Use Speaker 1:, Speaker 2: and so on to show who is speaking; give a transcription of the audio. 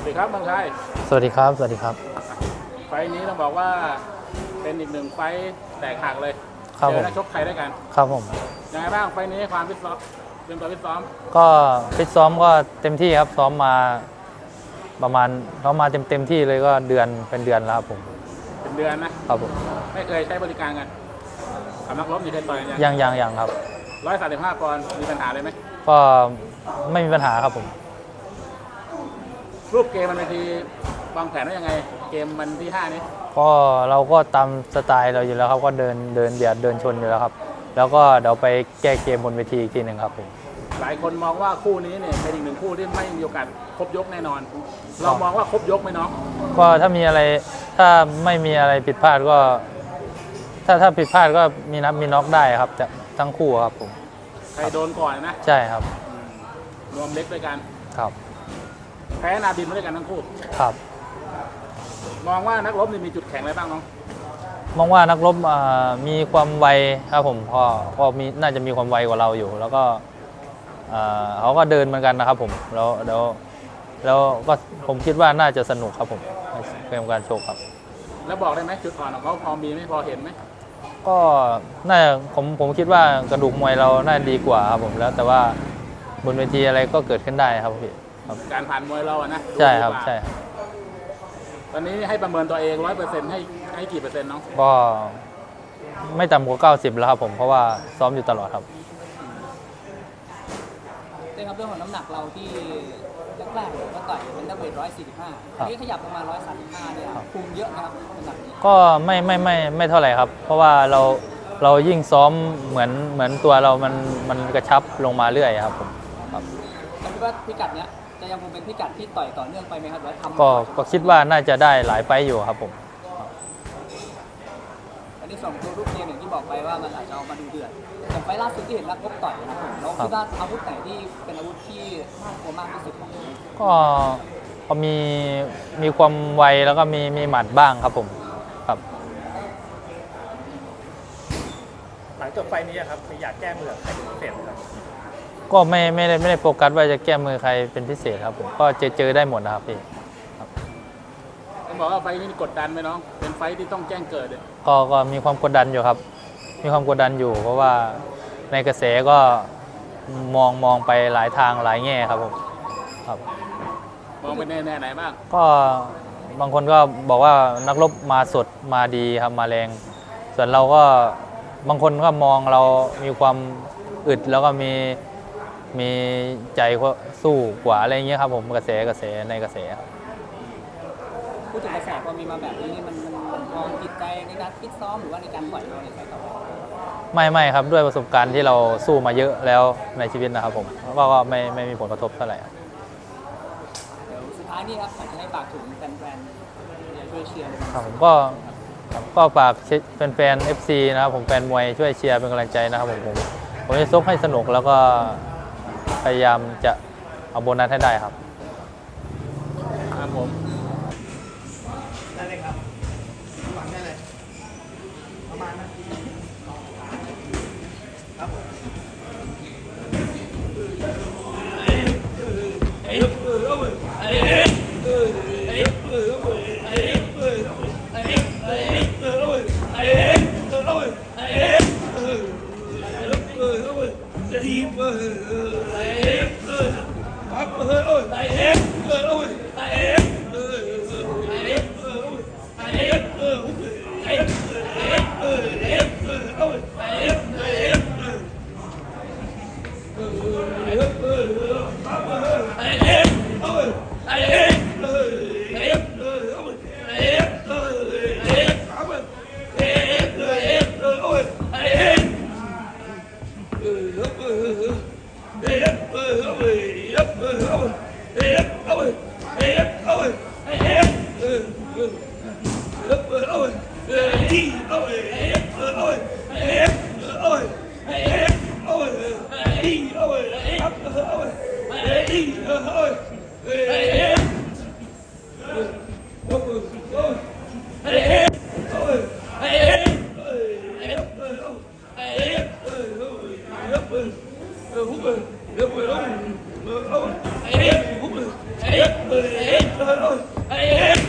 Speaker 1: ดีครับบางชัย
Speaker 2: สวัสดีครับสวัสดีครับ
Speaker 1: ไฟนี้ต้องบอกว่าเป็นอีกหนึ่งไฟแตกหักเลย
Speaker 2: ครับ
Speaker 1: เจ
Speaker 2: ผ
Speaker 1: อ
Speaker 2: ม
Speaker 1: นักชกไทยด้วยกัน
Speaker 2: ครับผม
Speaker 1: ยังไงบ้างไฟนี้ความฟิตซ้อมเตรียมตัวฟิตซ้อม
Speaker 2: ก็ฟิตซ้อมก็เต็มที่ครับซ้อมมาประมาณซ้อมมาเต็มที่เลยก็เป็นเดือนแล้วครับผม
Speaker 1: เป็นเดือนนะครับ
Speaker 2: ผม
Speaker 1: ไม่เคยใช้บริการกันกับนักรบนี่เคยต่อยกัน
Speaker 2: ยังครับ
Speaker 1: 135 ปอนด์มีปัญหาเลยไหม
Speaker 2: ก็ไม่มีปัญหาครับผม
Speaker 1: รูปเกมมันเป็นทีวางแผนว่ายังไงเกมมันที่5นี้
Speaker 2: ก็เราก็ตามสไตล์เราอยู่แล้วครับก็เดินเบียดเดินชนอยู่แล้วครับแล้วก็เดี๋ยวไปแก้เกมบนเวทีอีกทีหนึ่งครับผม
Speaker 1: หลายคนมองว่าคู่นี้เนี่ยเป็นอีกหนึ่งคู่ที่ไม่มีโอกาสครบยกแน่นอนเรามองว่าครบยกไหมน้อง
Speaker 2: ก็ถ้าไม่มีอะไรผิดพลาดก็ถ้าผิดพลาดก็มีนับมีน็อกได้ครับจะทั้งคู่ครับผม
Speaker 1: ใครโดนก่อนนะ
Speaker 2: ใช่ครับ
Speaker 1: รวมเล็กด้วยกัน
Speaker 2: ครับ
Speaker 1: แพ้นาบินมาด้วยกันทั้งคู่
Speaker 2: ครับ
Speaker 1: มองว่านักรบนี่มีจุดแข็งอะไรบ้างน้อง
Speaker 2: มองว่านักรบมีความไวครับผมก็น่าจะมีความไวกว่าเราอยู่ แล้วก็เขาก็เดินเหมือนกันนะครับผมแล้วก็ผมคิดว่าน่าจะสนุกครับผมเกมการโชว์ครับ
Speaker 1: แล้วบอกได้ไหมจุดอ่อนของเขาพอมีไหมพอเห็นไหม
Speaker 2: ก็น่าจะผมคิดว่ากระดูกมวยเราน่าดีกว่าครับผมแล้วแต่ว่าบนเวทีอะไรก็เกิดขึ้นได้ครับพี่
Speaker 1: การผ่านมวยเราอะนะ
Speaker 2: ใช่ครับใช่ครับ
Speaker 1: ตอนนี้ให้ประเมินตัวเอง100%ให้กี่เปอร์เซ็นต์น้อง
Speaker 2: ก็ไม่ต่ำกว่า90แล้วครับผมเพราะว่าซ้อมอยู่ตลอดครับ
Speaker 3: เรื่องของน้ำหนักเราที่แรกๆก็ต่อยเป็นนักเวท145อันนี้ขยับประมาณ135เนี่ยคุมเยอะนะครับน้ำหนักนี้
Speaker 2: ก็ไม่เท่าไหร่ครับเพราะว่าเรายิ่งซ้อมเหมือนตัวเรามันกระชับลงมาเรื่อยครับผมครับ
Speaker 3: คิดว่าพิกัดเนี้ยจะยังคงเป็นพิกัดที่ต่อยต่อเนื่องไปไหมครับหรือท
Speaker 2: ำก็คิดว่าน่าจะได้หลายไฟอยู่ครับผม
Speaker 3: อันนี้2ตัวรูปเกมอย่างที่บอกไปว่ามันอาจจะเอามาดูเดือดอย่างไฟล่าสุดที่เห็นนักรบต่อยนะครับผมเราคิดว่าอาวุธไหนที่เป็นอาวุธที่น่ากลัวมากที่สุด
Speaker 2: ก็มีความไวแล้วก็มีหมัดบ้างครับผมครับ
Speaker 1: หลังจบไฟนี้ครับอยากแก้มือใครเป็นพิเศษครับ
Speaker 2: ก็ไม่ได้โฟกัสว่าจะแก้มือใครเป็นพิเศษครับผมก็เจอได้หมดนะครับพี่
Speaker 1: ต้องบอกว่าไฟนี้กดดันไหมน้องเป็นไฟที่ต้องแจ้งเกิดเลย
Speaker 2: ก็มีความกดดันอยู่ครับมีความกดดันอยู่เพราะว่าในกระแสก็มองไปหลายทางหลายแง่ครับผมครับ
Speaker 1: มองไปแน่ไหนบ้าง
Speaker 2: ก็บางคนก็บอกว่านักรบมาสดมาดีครับมาแรงส่วนเราก็บางคนก็มองเรามีความอึดแล้วก็มีใจสู้กว่าอะไรเงี้ยครับผมกระแสในกระแสครับ
Speaker 3: พูดถึงกระแสพอมีมาแบบนี้มันมองจิตใจในการฟิตซ้อมหรือว่าในการปล่อยเราในสายต่อ
Speaker 2: ไม่ครับด้วยประสบการณ์ที่เราสู้มาเยอะแล้วในชีวิตนะครับผมก็ไม่มีผลกระทบเท่าไหร่
Speaker 3: เดี๋ยวสุดท้ายนี่ครับอยากจะให้ฝากถึงแฟนๆช่วยเชียร์
Speaker 2: ครับผมก็ฝากแฟนๆ FC นะครับผมแฟนมวยช่วยเชียร์เป็นกำลังใจนะครับผมจะซกให้สนุกแล้วก็พยายามจะเอาโบนัสให้ได้ครับ
Speaker 1: ครับผม
Speaker 3: ได้เลยครับฟังได้เลยประมาณนั้นครับ
Speaker 4: ทีม
Speaker 1: เฮ้ย